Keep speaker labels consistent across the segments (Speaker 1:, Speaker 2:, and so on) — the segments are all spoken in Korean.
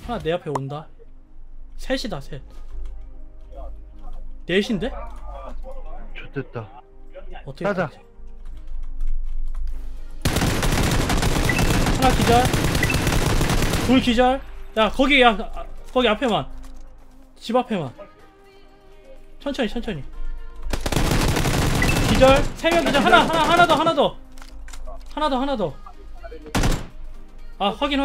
Speaker 1: 하나 내 앞에 온다. 셋이다 셋. 넷인데?
Speaker 2: 좋됐다.
Speaker 1: 어떻게
Speaker 2: 따자.
Speaker 1: 하지? 하나 기절. 둘 기절. 야 거기 야 거기 앞에만. 집 앞에만. 천천히 천천히. 기절. 세 명 기절. 하나 더. 하나 더. 아 확인.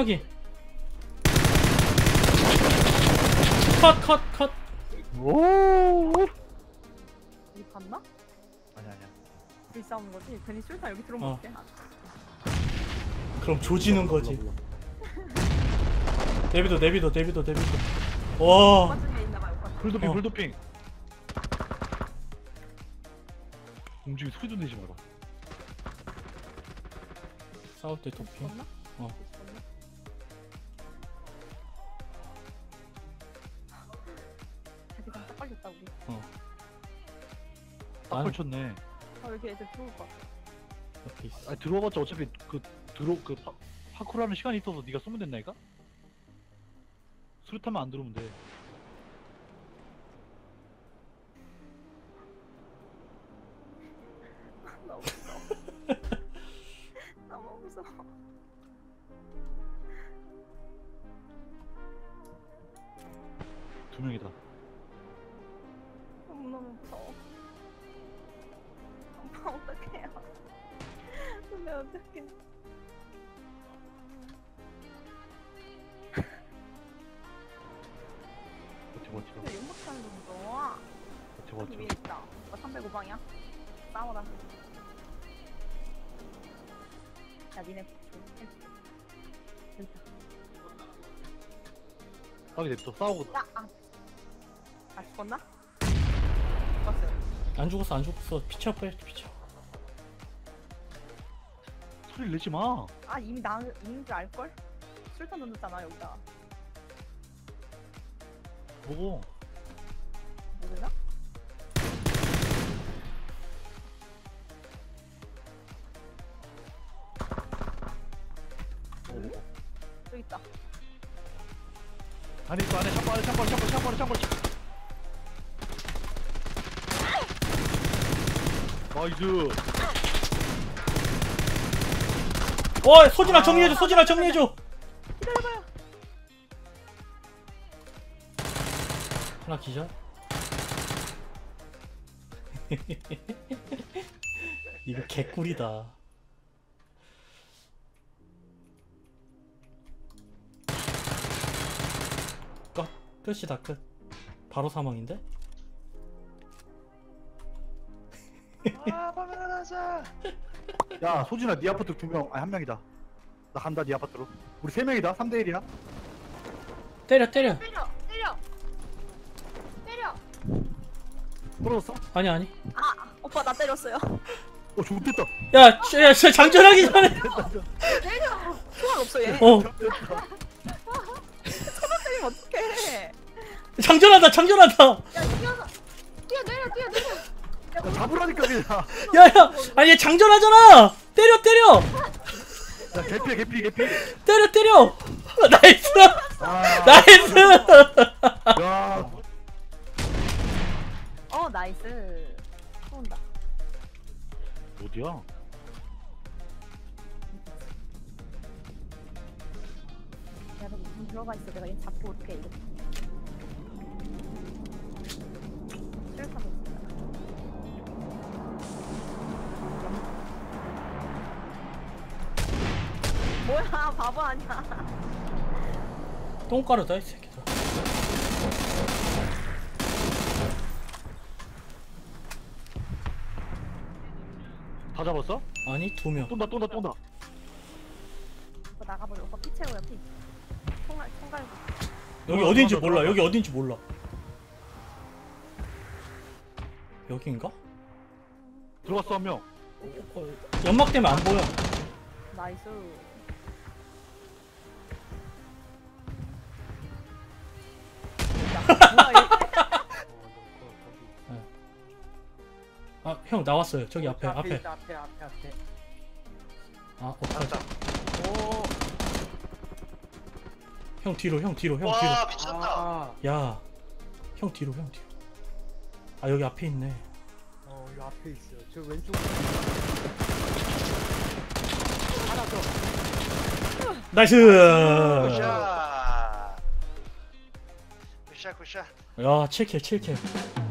Speaker 1: 컷.
Speaker 2: 오.
Speaker 3: 우리 봤나?
Speaker 2: 아니야.
Speaker 3: 둘이 싸우는 거지? 괜히 술탄 여기 들어온 거 같아.
Speaker 1: 그럼 조지는 거지. 내비도. 와.
Speaker 3: 오빠 중에 있나봐요, 오빠.
Speaker 2: 불도핑
Speaker 1: 어.
Speaker 2: 불도핑. 움직이 소리도 내지 마라.
Speaker 1: 싸울 때 도핑.
Speaker 3: 봤나?
Speaker 1: 어.
Speaker 3: 자기장 딱 걸렸다 우리.
Speaker 2: 딱
Speaker 1: 나는-
Speaker 2: 걸쳤네.
Speaker 3: 아 여기 애들 들어올 것 같아.
Speaker 1: 옆에 있어.
Speaker 2: 아니 들어와봤자 어차피 파쿠르하는 시간이 있어서 네가 쏘면 된다니까? 수류탄만 안 들어오면 돼.
Speaker 3: 너무 무서워. 너무 무서워.
Speaker 2: 두 명이다.
Speaker 3: 너무 무서워. 엄마 어떡해요? 근데 어떡해?
Speaker 2: 버텨.
Speaker 3: 근데 연막탄이 너무 무서워. 여기 위에 있다. 오빠 305방이야? 싸워라. 야 니네 여기다.
Speaker 2: 싸우게 냅둬. 싸우고.
Speaker 3: 야! 아 죽었나? 죽었어요.
Speaker 1: 안 죽었어. 피쳐.
Speaker 2: 소리를 내지 마.
Speaker 3: 아 이미 나 있는 줄 알걸? 술탄 넣었잖아 여기다.
Speaker 2: 보고.
Speaker 3: 모르나? 여기 있다.
Speaker 2: 안에 있어. 안에 샷발. 나이스.
Speaker 1: 소진아 정리해줘.
Speaker 3: 기다려봐요.
Speaker 1: 하나 기절. 이거 개꿀이다. 끝이다 끝. 바로 사망인데?
Speaker 2: 아, 바나나자. 야, 소진아, 네 아파트 2명, 아니 1명이다. 나 간다, 네 아파트로. 우리 3명이다. 3대 1이야.
Speaker 1: 때려.
Speaker 3: 때려.
Speaker 2: 떨어졌어?
Speaker 1: 아니.
Speaker 3: 아 오빠 나 때렸어요.
Speaker 2: 좋겠다.
Speaker 1: 야 장전하기 전에.
Speaker 3: 때려. 총알 없어 얘.
Speaker 1: 어
Speaker 3: 때리면 어떡해.
Speaker 1: 장전한다.
Speaker 3: 야 뛰어.
Speaker 2: 야, 잡으라니까 그냥.
Speaker 1: 야 아니 얘 장전하잖아. 때려.
Speaker 2: 야, 개피.
Speaker 1: 때려. 나이스.
Speaker 2: 아,
Speaker 1: 나이스.
Speaker 2: 야,
Speaker 3: 나이스. 쏜다.
Speaker 2: 어디야?
Speaker 3: 야 너 무슨 들어가 있어. 내가 얘 잡고 올게 이거. 실탄 있다. 뭐야 바보 아니야.
Speaker 1: 똥가루다 이 새끼들.
Speaker 2: 다 잡았어?
Speaker 1: 아니 2명.
Speaker 2: 쏜다.
Speaker 3: 오빠 나가버려. 오빠 피 채우야 피. 총알.
Speaker 1: 여기 어딘지 몰라. 여기인가?
Speaker 2: 들어갔어, 한 명.
Speaker 1: 연막 때문에 안 보여.
Speaker 3: 나이스.
Speaker 1: 아 형 나왔어요. 저기 앞에.
Speaker 4: 앞에.
Speaker 1: 아 어떡하지?
Speaker 2: 오.
Speaker 1: 형 뒤로 형 뒤로 형
Speaker 4: 와
Speaker 1: 뒤로.
Speaker 4: 미쳤다.
Speaker 5: 아,
Speaker 1: 야, 형 뒤로 형 뒤로. 아 여기 앞에 있네.
Speaker 5: 이 앞에 있어요. 저 왼쪽. 하나 더.
Speaker 1: 나이스.
Speaker 4: 굿샷. 굿샷 굿샷.
Speaker 1: 야 7킬 7킬.